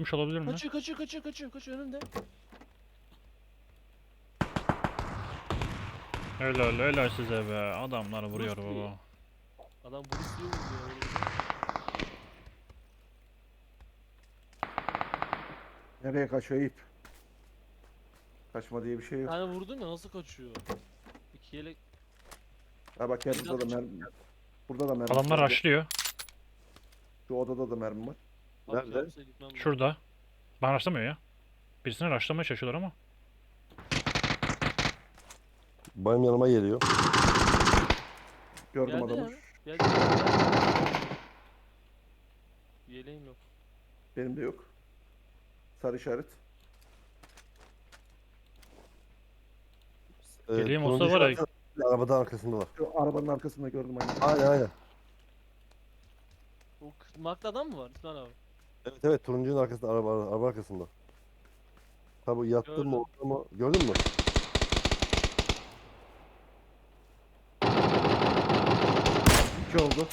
Yatmış olabilir mi? Kaçıyor önümde. Helal size be. Adamları vuruyor Bruce Lee. baba. Adam Bruce Lee vurdu ya. Öyle bir şey. Nereye kaçıyor ip? Kaçma diye bir şey Bir yok. tane vurdum ya nasıl kaçıyor? İki yelek. Ha bak gel burada da mermi. Burada da mermi Adamlar var. rushlıyor. Şu odada da mermi var. Abi Nerede? kabusa gitmem lazım. Şurada. Bana rushlamıyor ya. Birisini rushlamaya çalışıyorlar ama. Benim yanıma geliyor. Gördüm Geldi adamı. ya. Yeleğim yok. Benim de yok. Sarı işaret. Geleyim olsa turuncu var ya. işaret arabanın arkasında var. Şu arabanın arkasında gördüm aynen. Aynen. O markta adam mı var İsmail abi? Evet turuncunun arkasında araba arkasında. Tabi yattım Gördüm. mı orada mı? Gördün mü? İki oldu.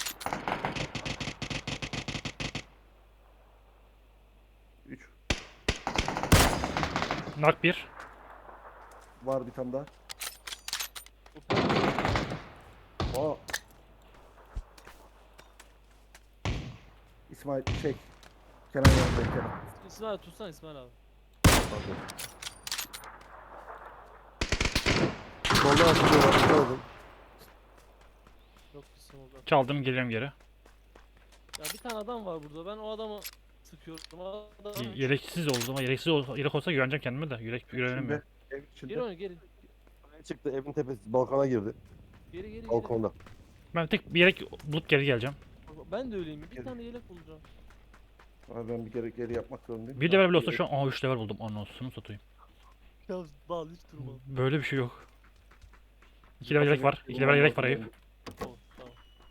Üç. Knock 1. Var bir tane daha. O Aa. İsmail şey. Kenan yanındayım Kenan. İsmail abi tutsana İsmail abi. Pardon. Soldan atıyorlar. Gördüm. Yok gitsin orada. Çaldım geliyorum geri. Ya bir tane adam var burada. Ben o adamı sıkıyorum. O adam... Yereksiz oldu ama yelek olsa güveneceğim kendime de. Yelek güvenemiyorum. Ev Geri içinde. onu geri. Çıktı evin tepesi balkona girdi. Geri. Balkonda. Ben tek bir yelek bulup geri geleceğim. Ben de öyleyim. Bir Geri. tane yelek bulacağım. Abi ben bir kere geri yapmak zorundayım. Bir level bile olsa şu an 3 level buldum. Anasını satayım. Ya bağlı hiç durma. Böyle bir şey yok. 2 level yelek var. 2 level yelek var Eyüp. Tamam tamam.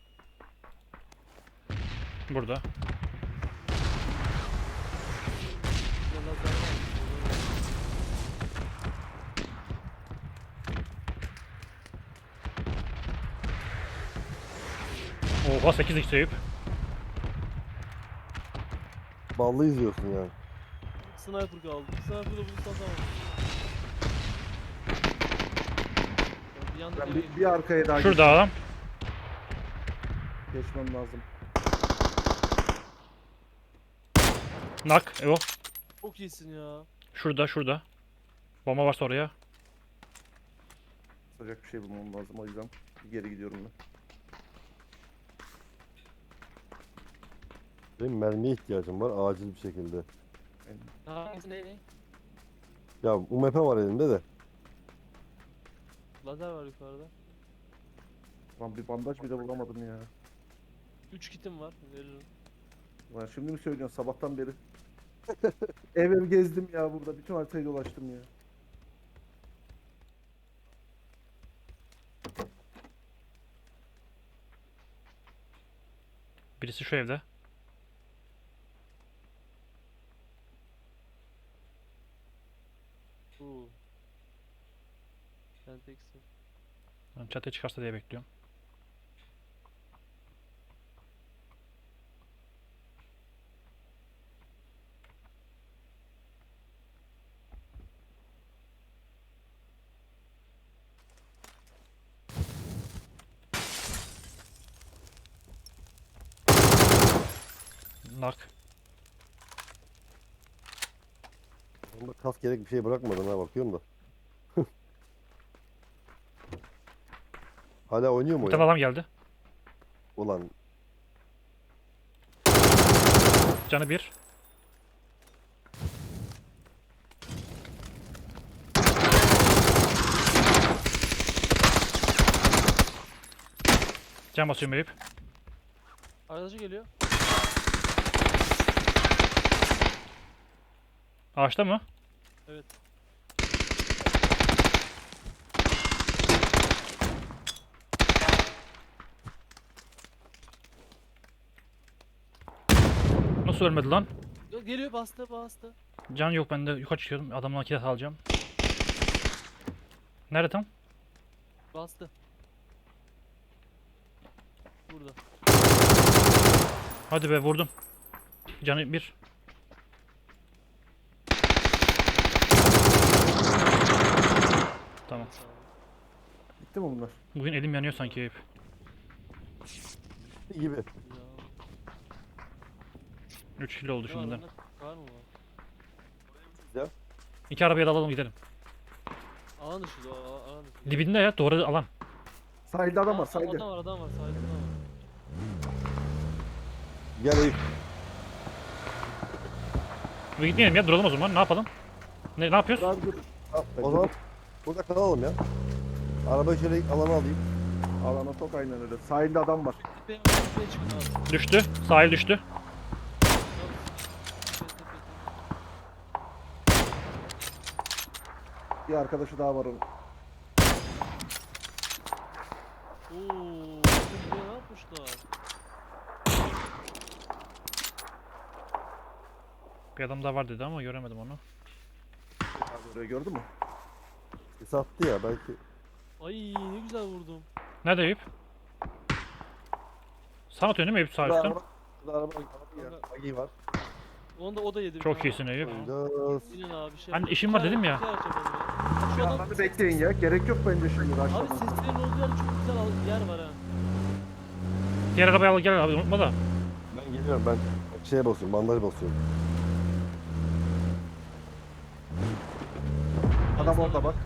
Burada. Bir de lazer var. Oha 8x Eyüp. Ballı izliyorsun yani. Sniper kaldı. Sniper'da bunu satamam. Bir yanda Ben geleyim. bir arkaya daha Şurada adam. geçmem lazım. Knock. Evo. Çok iyisin ya. Şurada. Bomba varsa oraya. Sıcak bir şey bulmam lazım o yüzden bir geri gidiyorum ben. Benim mermiye ihtiyacım var acil bir şekilde. Hangisi ne? Ya UMP var elimde de. Lazer var yukarıda. Lan bir bandaj bile bulamadım ya. 3 kitim var. Veririm. Lan şimdi mi söylüyorsun sabahtan beri? Ev gezdim ya burada. Bütün haritayı dolaştım ya. Birisi şu evde. Sen teksin. Ben çatıya çıkarsa diye bekliyorum. Knock. Onda kas gerek bir şey bırakmadım ha bakıyorum da. Hala oynuyor mu Bir tane ya? adam geldi. Ulan Canı 1. Can basıyorum Eyüp. Arkadaşı geliyor. Ağaçta mı? Evet. Nasıl ölmedi lan? Geliyor bastı. Can yok bende. Yukarı çıkıyorum. Adamdan kilit alacağım. Nerede tam? Bastı. Burada. Hadi be vurdum. Canı 1. Bitti mi bunlar? Bugün elim yanıyor sanki Eyüp. Gibi. Ya. 3 kilo oldu Ne var şimdiden. bende? Kar mı var? Ya. 2 arabaya da alalım gidelim. Alan dışı da alan dışı. Dibinde ya doğru alan. Sahilde adam var Aa, sahilde. Adam var sahilde adam var. Gel Eyüp. Bir gitmeyelim ya duralım o zaman ne yapalım? Ne yapıyoruz? Abi dur. O zaman burada kalalım ya. Arabayı şöyle alana alayım. Alana sok aynen öyle. Sahilde adam var. Tepeye çıkın abi. Düştü. Sahil düştü. Bir arkadaşı daha var onun. Ooo. Buraya ne yapmışlar? Bir adam daha var dedi ama göremedim onu. Abi orayı gördün mü? Sattı ya belki. Ay ne güzel vurdum. Nerede Eyüp? Sana atıyorsun değil mi Eyüp sağ Burada üstten? araba, burada araba var. Onda o da yedi. bir Çok tane. iyisin Eyüp. Oynayacağız. İnin abi şey. Hani işim var dedim ya. İki araç yapalım ya. Şu adam. Hadi bekleyin ya. Gerek yok bence şimdi. Abi Aşağıdan. seslerin olduğu yer çok güzel yer var ha. Diğer arabayı al gel abi unutma da. Ben geliyorum ben şeye basıyorum, bandaj basıyorum. Adam orada bak.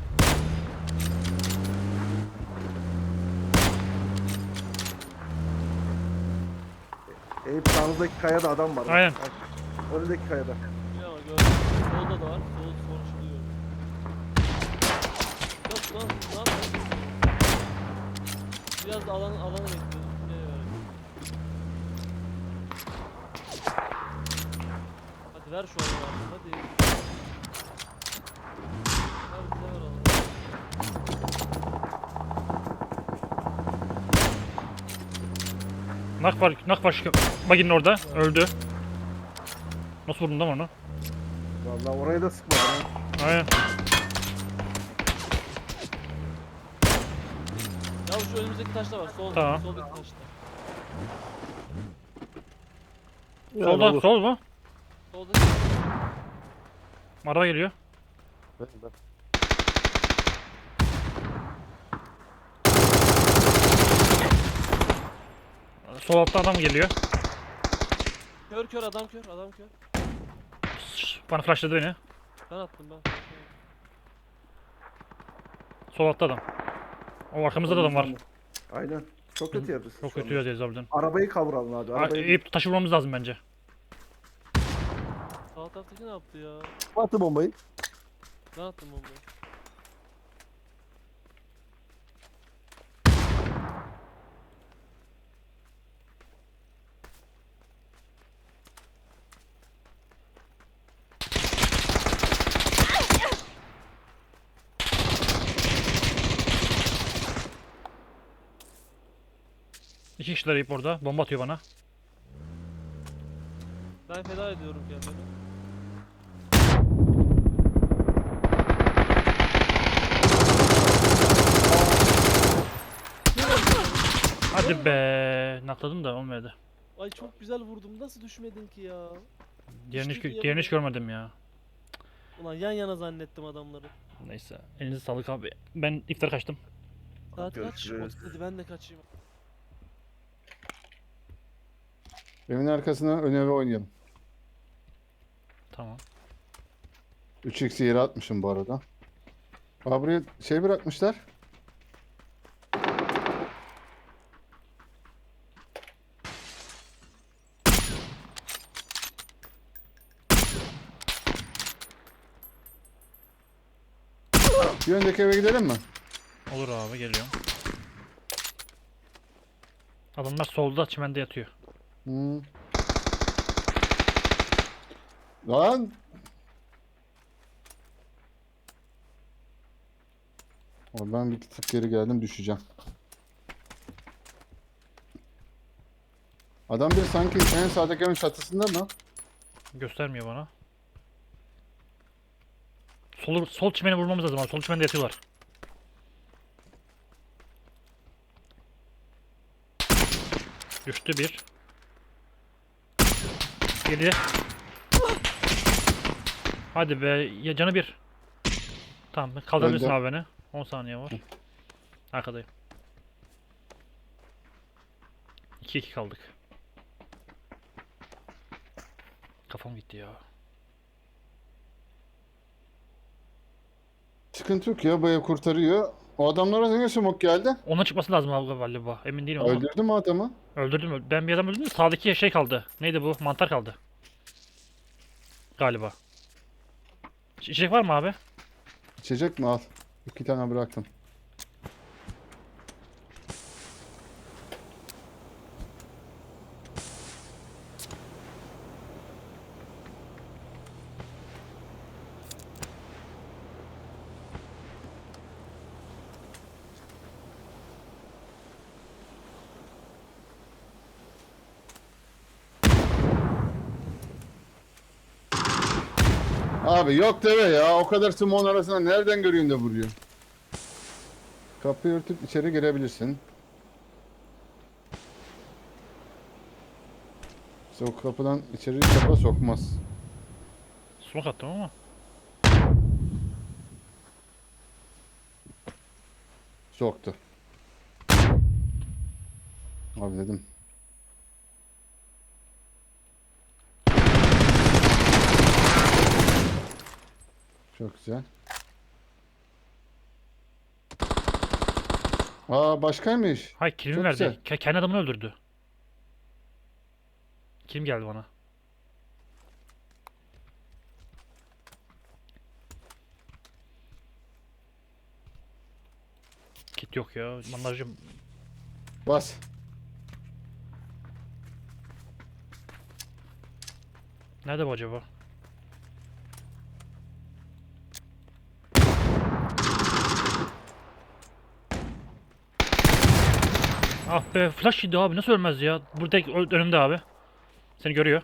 Eyüp sağınızdaki kayada adam var. Aynen. Önündeki kayada. Bir ama gördüm. Solda da var. Sol konuşuluyor. Yok lan lan. Biraz da alanı bekliyorum. Hadi ver şu alanı abi. Hadi. Ver bize ver alanı. Nak var şu baginin orada. Öldü. Nasıl vurdun lan onu? Vallahi oraya da sıkmadım. ha. Aynen. Ya şu önümüzdeki taşta var. Tamam. Soldaki taşta. Solda sol mu? Solda. Araba geliyor. Ben. Sol altta adam geliyor. Kör adam kör. Bana flashladı beni. Ben attım ben. Sol altta adam. O arkamızda da adam var. Aynen. Çok kötü yerdesin. Çok şu anda. kötü yazıyoruz harbiden. Arabayı kavuralım abi. Arabayı... Eyüp taşı vurmamız lazım bence. Sağ taraftaki ne yaptı ya? Attı bombayı. Ben attım bombayı. İki kişiler Eyüp orada. Bomba atıyor bana. Ben feda ediyorum kendimi. Hadi be. Nakladım da olmadı. Ay çok güzel vurdum. Nasıl düşmedin ki ya? Diğerini hiç görmedim ya. Ulan yan yana zannettim adamları. Neyse. Elinize sağlık abi. Ben iftar kaçtım. Saat kaç? Görüşürüz. Hadi ben de kaçayım. Evin arkasına ön eve oynayalım. Tamam. 3x'i yere atmışım bu arada. Aa, buraya şey bırakmışlar. Bir öndeki eve gidelim mi? Olur abi geliyorum. Adamlar solda çimende yatıyor. Hmm. Lan! Oradan bir tık geri geldim, düşeceğim. Adam bir sanki en sağdaki evin çatısında mı? Göstermiyor bana. Sol çimene vurmamız lazım abi. Sol çimende yatıyorlar. Düştü bir. Geri. Hadi be. Ya canı bir. Tamam kaldırabilirsin Öldü. abi beni. 10 saniye var. Arkadayım. 2-2 kaldık. Kafam gitti ya. Sıkıntı yok ya, bu ev kurtarıyor. O adamlara ne smoke geldi? Ona çıkması lazım abi galiba. Emin değilim ama. Öldürdü mü adamı? Öldürdüm. Ben bir adam öldürdüm de sağdaki şey kaldı. Neydi bu? Mantar kaldı. Galiba. İçecek var mı abi? İçecek mi, al. 2 tane bıraktım. Abi yok deve ya. O kadar smoke'un arasında nereden göreyim de vuruyor? Kapıyı örtüp içeri girebilirsin. İşte o kapıdan içeri kafa sokmaz. Smoke attım ama. Soktu. Abi dedim. Çok güzel. Aa, başkaymış. Hayır kilimi Çok verdi. güzel. Kendi adamını öldürdü. Kim geldi bana? Kit yok ya. Bandajım. Bas. Nerede bu acaba? Ah be flash yedi abi nasıl ölmez ya? Burada önümde abi. Seni görüyor.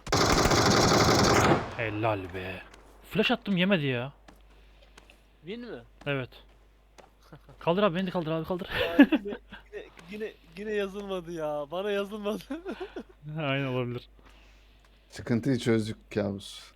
Helal be. Flash attım yemedi ya. Win mi? Evet. Kaldır abi beni de kaldır abi kaldır. Ya yine yazılmadı ya. Bana yazılmadı. Aynen olabilir. Sıkıntıyı çözdük kabus.